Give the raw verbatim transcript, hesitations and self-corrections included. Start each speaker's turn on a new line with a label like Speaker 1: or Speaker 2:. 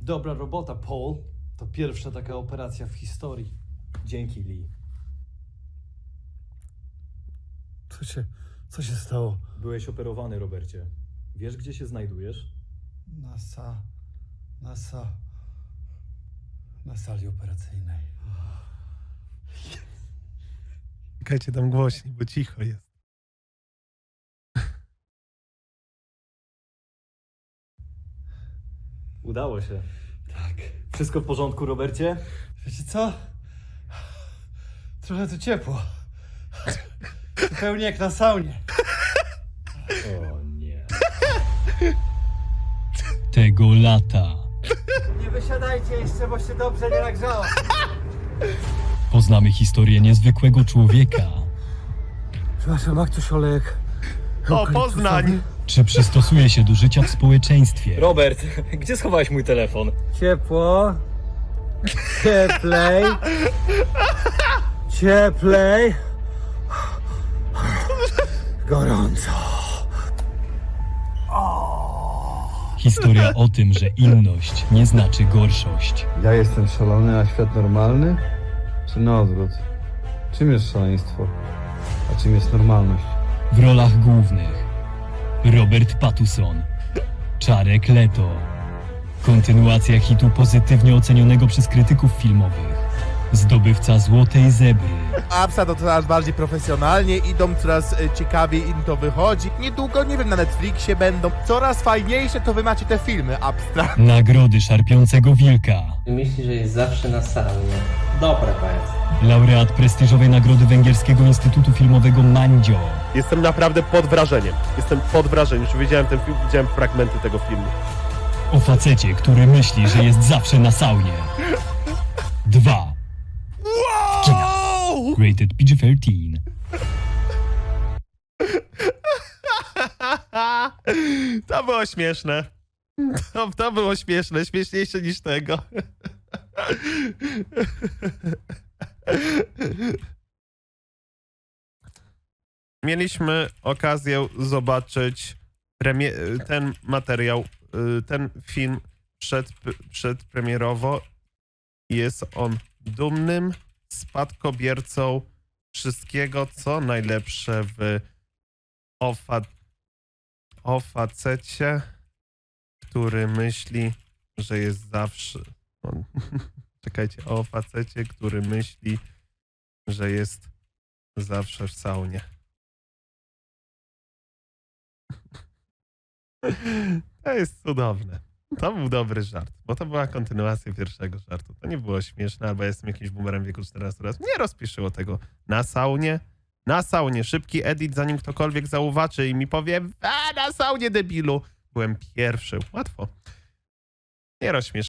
Speaker 1: Dobra robota, Paul. To pierwsza taka operacja w historii.
Speaker 2: Dzięki, Lee.
Speaker 1: Co się, co się stało?
Speaker 2: Byłeś operowany, Robercie. Wiesz, gdzie się znajdujesz?
Speaker 1: Na sa... Na sa... Na sali operacyjnej.
Speaker 3: Czekajcie tam głośniej, bo cicho jest.
Speaker 2: Udało się.
Speaker 1: Tak.
Speaker 2: Wszystko w porządku, Robercie?
Speaker 1: Wiecie co? Trochę tu ciepło. Zupełnie jak na saunie.
Speaker 2: O nie.
Speaker 4: Tego lata
Speaker 1: Nie wysiadajcie jeszcze, bo się dobrze nie nagrzało.
Speaker 4: poznamy historię niezwykłego człowieka.
Speaker 1: Przepraszam, ma ktoś olejek?
Speaker 3: O, Poznań!
Speaker 4: Czy przystosuje się do życia w społeczeństwie?
Speaker 2: Robert, gdzie schowałeś mój telefon?
Speaker 1: Ciepło. Cieplej. Cieplej. Gorąco.
Speaker 4: Historia o tym, że inność nie znaczy gorszość.
Speaker 5: Ja jestem szalony, a świat normalny? Czy na odwrót? Czym jest szaleństwo? A czym jest normalność?
Speaker 4: W rolach głównych Robert Pattinson, Jared Leto. Kontynuacja hitu pozytywnie ocenionego przez krytyków filmowych. Zdobywca Złotej Zebry.
Speaker 3: Apsa to coraz bardziej profesjonalnie idą, coraz e, ciekawiej im to wychodzi. Niedługo, nie wiem, na Netflixie będą. Coraz fajniejsze to wy macie te filmy, Abstra.
Speaker 4: Nagrody Szarpiącego Wilka.
Speaker 6: Myśli, że jest zawsze na saunie. Dobre to jest.
Speaker 4: Laureat prestiżowej nagrody Węgierskiego Instytutu Filmowego Mandzio.
Speaker 7: Jestem naprawdę pod wrażeniem. Jestem pod wrażeniem. Już widziałem ten film, widziałem fragmenty tego filmu.
Speaker 4: O facecie, który myśli, że jest zawsze na saunie. Dwa. W kinach. Rated P G thirteen.
Speaker 3: To było śmieszne. To, to było śmieszne, śmieszniejsze niż tego. Mieliśmy okazję zobaczyć premie- ten materiał, y, ten film przed, przedpremierowo. Jest on dumnym spadkobiercą wszystkiego, co najlepsze w o, fa- o facecie, który myśli, że jest zawsze... O, czekajcie, o facecie, który myśli, że jest zawsze w saunie. To jest cudowne. To był dobry żart, bo to była kontynuacja pierwszego żartu. To nie było śmieszne, albo jestem jakimś boomerem w wieku czternastu lat. Nie rozpiszyło tego na saunie. Na saunie. Szybki edit, zanim ktokolwiek zauważy i mi powie, a na saunie, debilu. Byłem pierwszy. Łatwo. Nie rozśmiesz.